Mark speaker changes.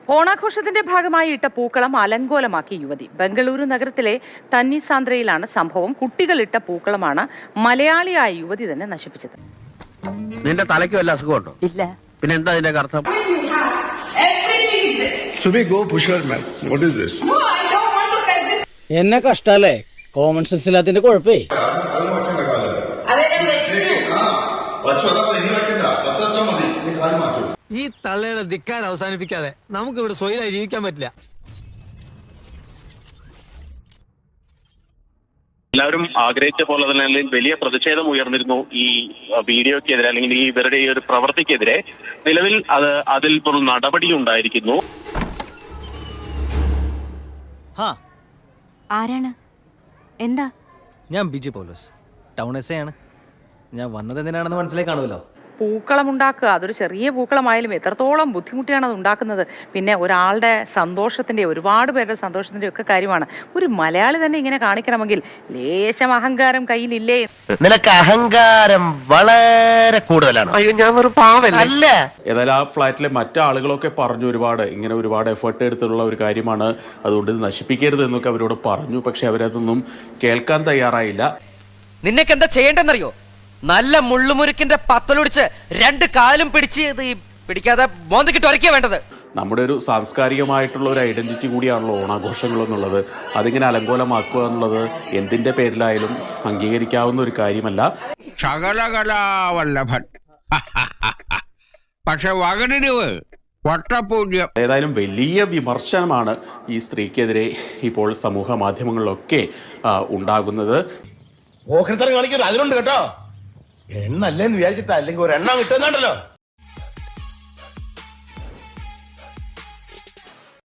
Speaker 1: ഓണാഘോഷത്തിന്റെ ഭാഗമായി ഇട്ട പൂക്കളം അലങ്കോലമാക്കി യുവതി. ബംഗളൂരു നഗരത്തിലെ തന്നിസാന്ദ്രയിലാണ് സംഭവം. കുട്ടികൾ ഇട്ട പൂക്കളമാണ് മലയാളിയായ യുവതി തന്നെ നശിപ്പിച്ചത്.
Speaker 2: നിന്റെ തലയ്ക്ക് വല്ല അസുഖമുണ്ടോ? ഇല്ല. പിന്നെ എന്താ ഇതിന്റെ അർത്ഥം?
Speaker 3: എന്നെ കഷ്ടല്ലേ, കോമൺ സെൻസ് ഇല്ലാത്തതിന്റെ കുഴപ്പേ.
Speaker 4: ഈ തള്ളയുടെ ധിക്കാരം അവസാനിപ്പിക്കാതെ നമുക്ക് ഇവിടെ സ്വൈരായി ജീവിക്കാൻ പറ്റില്ല.
Speaker 5: എല്ലാവരും ആഗ്രഹിച്ച പോലെ തന്നെ വലിയ പ്രതിഷേധം ഉയർന്നിരുന്നു ഈ വീഡിയോക്കെതിരെ, അല്ലെങ്കിൽ ഈ ഇവരുടെ ഈ ഒരു പ്രവൃത്തിക്കെതിരെ. നിലവിൽ അതിൽ ഒരു നടപടി ഉണ്ടായിരിക്കുന്നു.
Speaker 6: ആരാണ്? എന്താ?
Speaker 7: ഞാൻ ബിജു പൗലോസ്, ടൗൺ എസ് ആണ്. ഞാൻ വന്നത് എന്തിനാണെന്ന് മനസ്സിലായി കാണുമല്ലോ.
Speaker 1: പൂക്കളം ഉണ്ടാക്കുക, അതൊരു ചെറിയ പൂക്കളമായാലും എത്രത്തോളം ബുദ്ധിമുട്ടിയാണ് അത് ഉണ്ടാക്കുന്നത്. പിന്നെ ഒരാളുടെ സന്തോഷത്തിന്റെ, ഒരുപാട് പേരുടെ സന്തോഷത്തിന്റെ ഒക്കെ കാര്യമാണ്. ഒരു മലയാളി തന്നെ ഇങ്ങനെ കാണിക്കണമെങ്കിൽ ലേശം അഹങ്കാരം കയ്യിലില്ലേ?
Speaker 2: നിനക്ക് അഹങ്കാരം വളരെ കൂടുതലാണ്. അയ്യോ, ഞാൻ ഒരു പാവല്ല.
Speaker 8: ഏതായാലും ആ ഫ്ലാറ്റിലെ മറ്റാളുകളൊക്കെ പറഞ്ഞു ഒരുപാട് എഫേർട്ട് എടുത്തുള്ള ഒരു കാര്യമാണ്, അതുകൊണ്ട് ഇത് നശിപ്പിക്കരുത് എന്നൊക്കെ അവരോട് പറഞ്ഞു. പക്ഷെ അവരതൊന്നും കേൾക്കാൻ തയ്യാറായില്ല.
Speaker 9: നിനക്ക് എന്താ ചെയ്യേണ്ടെന്നറിയോ? നല്ല മുള്ളുമുരുക്കിന്റെ പത്തലൊടിച്ച് രണ്ട് കാലും പിടിക്കാതെ മോന്തക്കിട്ട് ഒരയ്ക്കുക വേണ്ടത്.
Speaker 8: നമ്മുടെ ഒരു സാംസ്കാരികമായിട്ടുള്ള ഒരു ഐഡന്റിറ്റി കൂടിയാണല്ലോ ഓണാഘോഷങ്ങൾ എന്നുള്ളത്. അതിങ്ങനെ അലങ്കോലമാക്കുക എന്നുള്ളത് എന്തിന്റെ പേരിലായാലും അംഗീകരിക്കാവുന്ന ഒരു കാര്യമല്ല.
Speaker 10: ശകലകലാവല്ലഭൻ പക്ഷെ വകനിരിവ് വട്ടപൂജ്യം.
Speaker 8: ഏതായാലും വലിയ വിമർശനമാണ് ഈ സ്ത്രീക്കെതിരെ ഇപ്പോൾ സമൂഹ മാധ്യമങ്ങളിലൊക്കെ ഉണ്ടാകുന്നത്.
Speaker 2: കാണിക്കരുത്, അതിലുണ്ട് കേട്ടോ. എണ്ണല്ലേന്ന് വിചാരിച്ചിട്ടാ, അല്ലെങ്കിൽ ഒരു എണ്ണം കിട്ടുന്നുണ്ടല്ലോ.